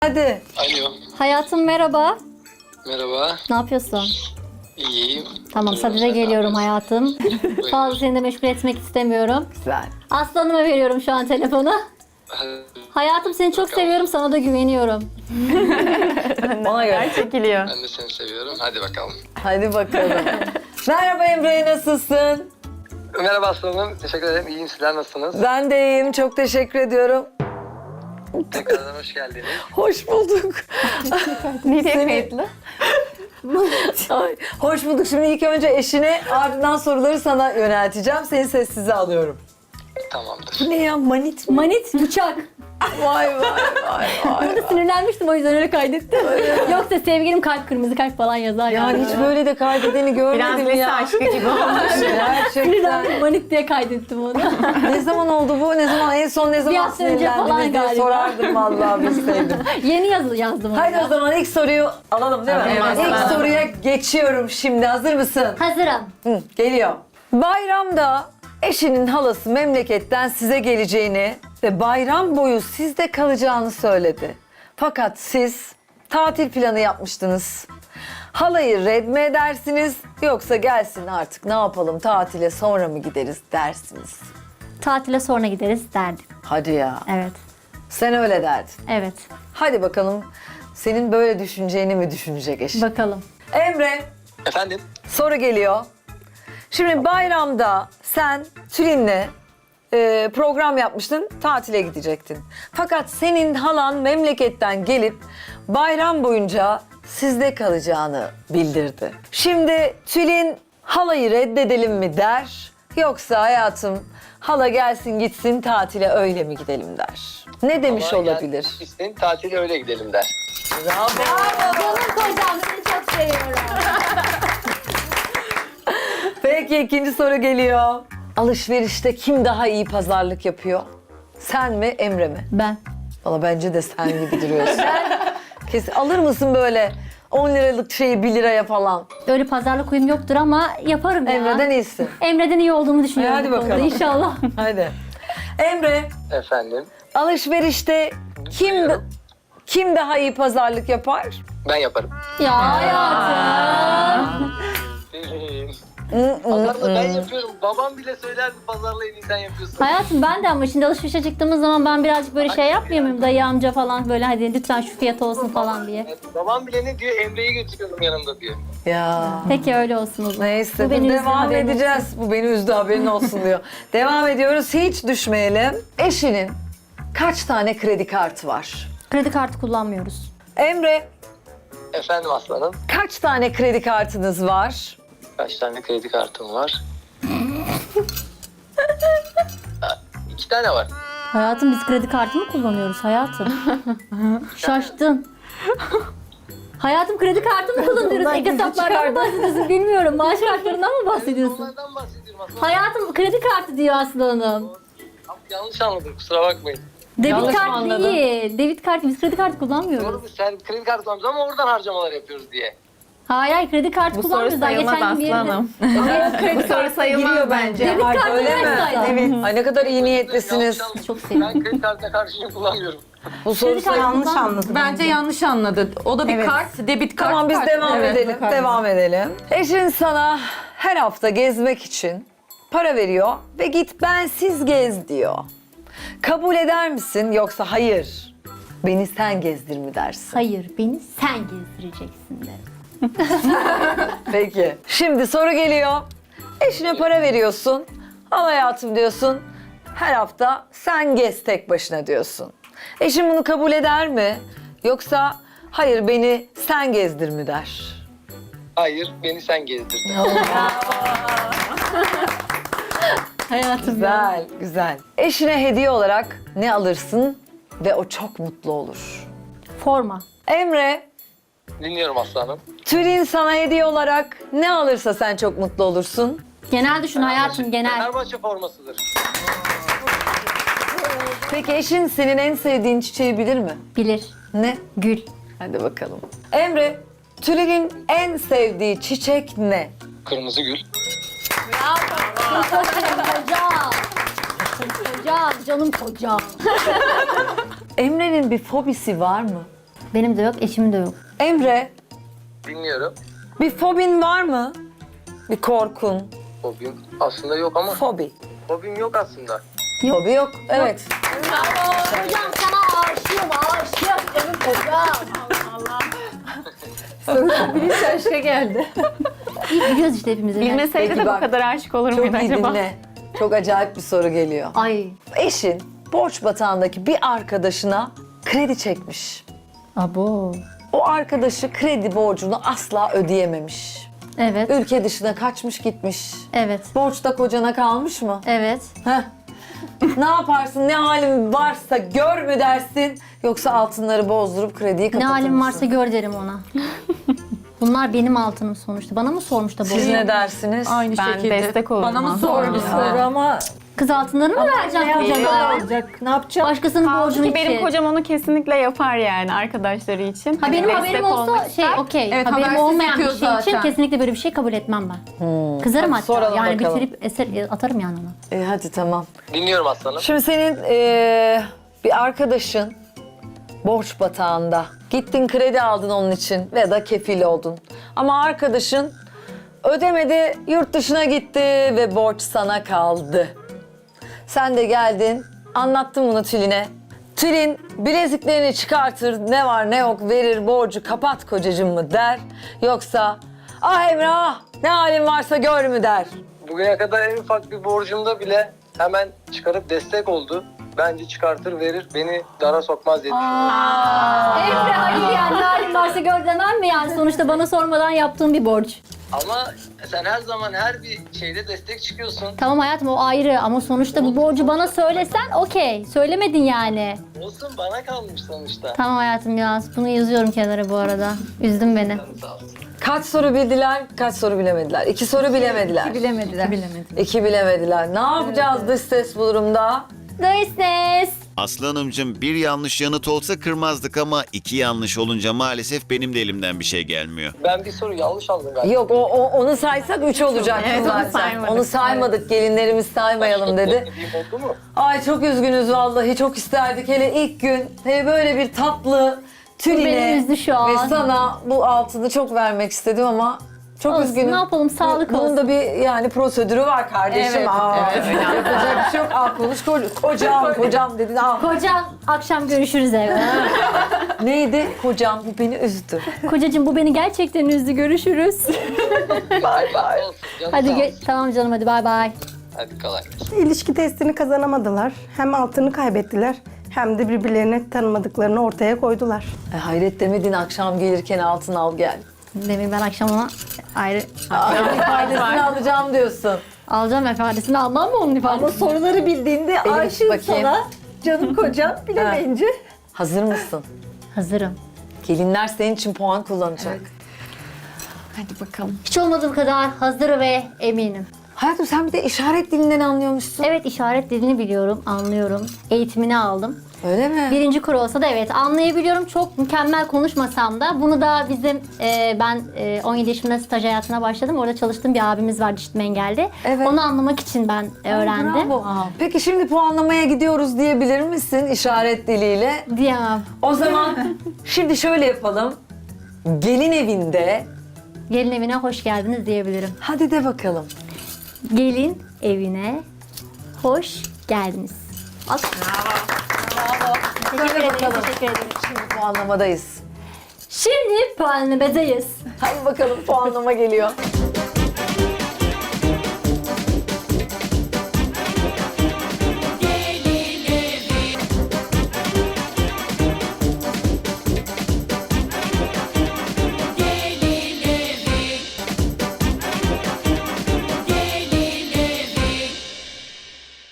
Hadi. Alo. Hayatım merhaba. Merhaba. Ne yapıyorsun? İyiyim. Tamam, sadede geliyorum hayatım. Fazla seni de meşgul etmek istemiyorum. Güzel. Aslanıma veriyorum şu an telefonu. Hayatım seni çok seviyorum, sana da güveniyorum. Ona göre. Çekiliyor. Ben de seni seviyorum. Hadi bakalım. Hadi bakalım. Merhaba Emre, nasılsın? Merhaba aslanım. Teşekkür ederim. İyiyim. Sizler nasılsınız? Ben de iyiyim, çok teşekkür ediyorum. Tekrardan hoş geldiniz. Hoş bulduk. Nereye Seni- kayıtlı? Ay, hoş bulduk. Şimdi ilk önce eşine, ardından soruları sana yönelteceğim. Seni sessize alıyorum. Tamamdır. Bu ne ya, manit mi? Manit, bıçak. Vay vay vay vay. Burada sinirlenmiştim, o yüzden öyle kaydettim. Yoksa sevgilim kalp, kırmızı kalp falan yazar Yani hiç böyle de kaydedeni Biraz görmedim lise ya. aşkı gibi olmuş. Gerçekten. Sinirlendim, manit diye kaydettim onu. Ne zaman oldu bu? Ne zaman? En son ne Bir zaman hafta önce falan sinirlendiniz diye galiba. sorardım vallahi bilseydim. Yeni yazdım onu. Haydi ya. o zaman ilk soruyu alalım değil mi? Evet, İlk alalım. soruya geçiyorum şimdi. Hazır mısın? Hazırım. Hı, geliyor. Bayramda eşinin halası memleketten size geleceğini ve bayram boyu sizde kalacağını söyledi. Fakat siz tatil planı yapmıştınız. Halayı red mi edersiniz yoksa gelsin artık ne yapalım tatile sonra mı gideriz dersiniz? Tatile sonra gideriz derdim. Hadi ya. Evet. Sen öyle derdin. Evet. Hadi bakalım senin böyle düşüneceğini mi düşünecek eşin? Bakalım. Emre, Efendim? soru geliyor. Şimdi bayramda sen Tülin'le program yapmıştın, tatile gidecektin. Fakat senin halan memleketten gelip bayram boyunca sizde kalacağını bildirdi. Şimdi Tülin halayı reddedelim mi der, yoksa hayatım hala gelsin gitsin tatile öyle mi gidelim der. Ne demiş Ama olabilir? gel, İsteyin tatile öyle gidelim der. Bravo. Canım kocam, seni çok seviyorum. Peki ikinci soru geliyor. Alışverişte kim daha iyi pazarlık yapıyor? Sen mi, Emre mi? Ben. Valla bence de sen gibi duruyorsun. Kesin alır mısın böyle 10 liralık şeyi 1 liraya falan? Öyle pazarlık uyum yoktur ama yaparım ya. Emre'den iyisin. Emre'den iyi olduğumu düşünüyorum. Hadi bu konuda, bakalım. İnşallah. Hadi. Emre, Efendim? alışverişte kim daha iyi pazarlık yapar? Ben yaparım. Ya hayatım. Pazarla ben yapıyorum. Babam bile söylerdi pazarla en iyi sen yapıyorsun. Hayatım ben de, ama şimdi alışverişe çıktığımız zaman ben birazcık böyle şey yapmıyor muyum? Dayı amca falan böyle, hadi lütfen şu fiyat olsun falan diye. Babam bile ne diyor? Emre'yi götürüyorum yanımda diyor. Ya. Peki öyle olsun o zaman. Neyse Bu beni üzdü, devam haberin edeceğiz. Bu beni üzdü haberin olsun diyor. Devam ediyoruz, hiç düşmeyelim. Eşinin kaç tane kredi kartı var? Kredi kartı kullanmıyoruz. Emre, Efendim aslanım? kaç tane kredi kartınız var? Kaç tane kredi kartım var? 2 tane var. Hayatım biz kredi kartı mı kullanıyoruz hayatım? Şaştın. Hayatım kredi kartı mı kullanıyoruz? Ek hesaplardan mı bahsediyorsun bilmiyorum. Maaş kartlarından mı bahsediyorsun? Onlardan bahsediyorum aslanım. Hayatım kredi kartı diyor Aslı Hanım. Abi, yanlış anladım kusura bakmayın. Debit Yanlış mı kart anladın? değil. Debit kartı, biz kredi kartı kullanmıyoruz. Doğru mu? Sen kredi kartı almışsın ama oradan harcamalar yapıyoruz diye. Hayır kredi kartı Bu soru kullanmıyoruz. Daha sayılmaz geçen gün bir yerinde- aslanım. Kredi soru sayılmaz bence. Debit kartı Öyle mi? versaydı. Evet. Ay ne kadar iyi niyetlisiniz. Yanlış anladım. Çok sevindim. Ben kredi kartına karşıyım kullanmıyorum. Bu soru Kredi kartı Yanlış kullan- anladım. Bence yanlış anladı. O da bir Evet. kart, debit kart. Tamam biz kart. devam Evet, edelim. kart. Devam edelim. Eşin sana her hafta gezmek için para veriyor ve git bensiz gez diyor. Kabul eder misin yoksa hayır beni sen gezdir mi dersin? Hayır, beni sen gezdireceksin de. Peki. Şimdi soru geliyor. Eşine para veriyorsun. Al hayatım diyorsun. Her hafta sen gez tek başına diyorsun. Eşin bunu kabul eder mi? Yoksa hayır beni sen gezdir mi der? Hayır beni sen gezdirdin. Hayatım ya. Güzel, güzel. Eşine hediye olarak ne alırsın ve o çok mutlu olur? Forma. Emre, Dinliyorum aslanım. Tülin sana hediye olarak ne alırsa sen çok mutlu olursun. Genel düşün hayatım, genel. Fenerbahçe formasıdır. Peki eşin senin en sevdiğin çiçeği bilir mi? Bilir. Ne? Gül. Hadi bakalım. Emre, Tülin'in en sevdiği çiçek ne? Kırmızı gül. Kocam. Kocam, canım kocam. Emre'nin bir fobisi var mı? Benim de yok, eşimin de yok. Emre, Dinliyorum. bir fobin var mı? Bir korkun. Hobim aslında yok ama Fobi. hobim yok aslında. Fobi yok. Evet. Hocam sana aşığım canım hocam. Bilinç aşka geldi. İyi biliyoruz işte hepimiz. Bilmeseydi Peki de bak, bu kadar aşık olur Çok muydu iyi acaba? dinle. Çok acayip bir soru geliyor. Ay. Eşin borç batağındaki bir arkadaşına kredi çekmiş. Abo. O arkadaşı kredi borcunu asla ödeyememiş. Evet, Ülke dışına kaçmış gitmiş. evet, Borç da kocana kalmış mı? evet. Heh. Ne yaparsın, ne halin varsa gör mü dersin? Yoksa altınları bozdurup krediyi Ne kapatır halim mısın? varsa gör derim ona. Bunlar benim altınım sonuçta. Bana mı sormuş da bu? Siz ne dersiniz? Aynı Ben şekilde. destek olurum. Bana mı aslında. sordu? Ha. Ama Kız altınlarını mı vereceğim ne kocana? olacak? Ne yapacağım? Başkasının borcunu Ki benim için. kocam onu kesinlikle yapar yani arkadaşları için. Ha benim Destek haberim olmak olsa ister. okey. Evet, Haberim habersiz olmayan bir yapıyor şey için zaten. kesinlikle böyle bir şey kabul etmem ben. Kızarım Hadi hatta. soralım Yani bakalım. bitirip eser atarım yani ona. Hadi tamam. Dinliyorum aslanım. Şimdi senin bir arkadaşın borç batağında. Gittin kredi aldın onun için ve da kefil oldun. Ama arkadaşın ödemedi, yurt dışına gitti ve borç sana kaldı. Sen de geldin, anlattın bunu Tülin'e. Tülin bileziklerini çıkartır, ne var ne yok verir, borcu kapat kocacığım mı der. Yoksa ah Emrah ne halin varsa gör mü der. Bugüne kadar en ufak bir borcumda bile hemen çıkarıp destek oldu. Bence çıkartır verir, beni dara sokmaz diye düşünüyorum. Emre hayır yani ne halin varsa gör demem mi yani? Sonuçta bana sormadan yaptığım bir borç. Ama sen her zaman her bir şeyde destek çıkıyorsun. Tamam hayatım o ayrı ama sonuçta bu borcu bana söylesen okey. Söylemedin yani. Olsun, bana kalmış sonuçta. Tamam hayatım ya bunu yazıyorum kenara bu arada. Üzdün beni. Sağ ol. Kaç soru bildiler, kaç soru bilemediler? 2 soru bilemediler. Bilemediler. 2 bilemediler. Ne yapacağız dış ses bu durumda? Dış ses. Aslı Hanımcığım bir yanlış yanıt olsa kırmazdık ama 2 yanlış olunca maalesef benim de elimden bir şey gelmiyor. Ben bir soru yanlış aldım galiba. Yok onu saysak 3 olacak Evet, onu zaten. saymadık. Onu saymadık, gelinlerimiz saymayalım dedi. Dediğim oldu mu? Ay çok üzgünüz vallahi, çok isterdik. Hele ilk gün hele böyle bir tatlı Beni Tülin'e üzdü şu an. ve sana bu altını çok vermek istedim ama çok Olsun, üzgünüm. ne yapalım, sağlık Bunun olsun. da bir yani prosedürü var kardeşim. Evet, Yapacak bir şey yok. Al konuş kocam dedin. Al. Kocam akşam görüşürüz evde. Neydi? Kocam bu beni üzdü. Kocacığım bu beni gerçekten üzdü görüşürüz. Bay bay. Olsun, canım Hadi sağ olsun. tamam canım hadi bay bay. Hadi kolay gelsin. İlişki testini kazanamadılar. Hem altını kaybettiler hem de birbirlerini tanımadıklarını ortaya koydular. Hayret demedin akşam gelirken altın al gel. Demin ben akşam ona ayrı Faydasını alacağım diyorsun. alacağım ifadesini almam mı onun ifadesini? Ama soruları bildiğinde Elif, aşığım bakayım. sana. Canım kocam bilemeyince. Hazır mısın? Hazırım. Gelinler senin için puan kullanacak. Hadi bakalım. Hiç olmadığı kadar hazır ve eminim. Hayatım sen bir de işaret dilinden anlıyormuşsun. Evet işaret dilini biliyorum, anlıyorum. Eğitimini aldım. Öyle mi? Birinci kuru olsa da evet anlayabiliyorum. Çok mükemmel konuşmasam da bunu da bizim ben 17 yaşımda staj hayatına başladım. Orada çalıştığım bir abimiz vardı işitme engelli. Evet. Onu anlamak için ben öğrendim. Bravo. Peki şimdi puanlamaya gidiyoruz diyebilir misin işaret diliyle? Diyemem. O zaman şimdi şöyle yapalım. Gelin evinde Gelin evine hoş geldiniz diyebilirim. hadi de bakalım. Gelin evine hoş geldiniz. Teşekkür ederim, bakalım. teşekkür ederim. Şimdi puanlamadayız. Şimdi puanlamadayız. Hadi bakalım puanlama geliyor.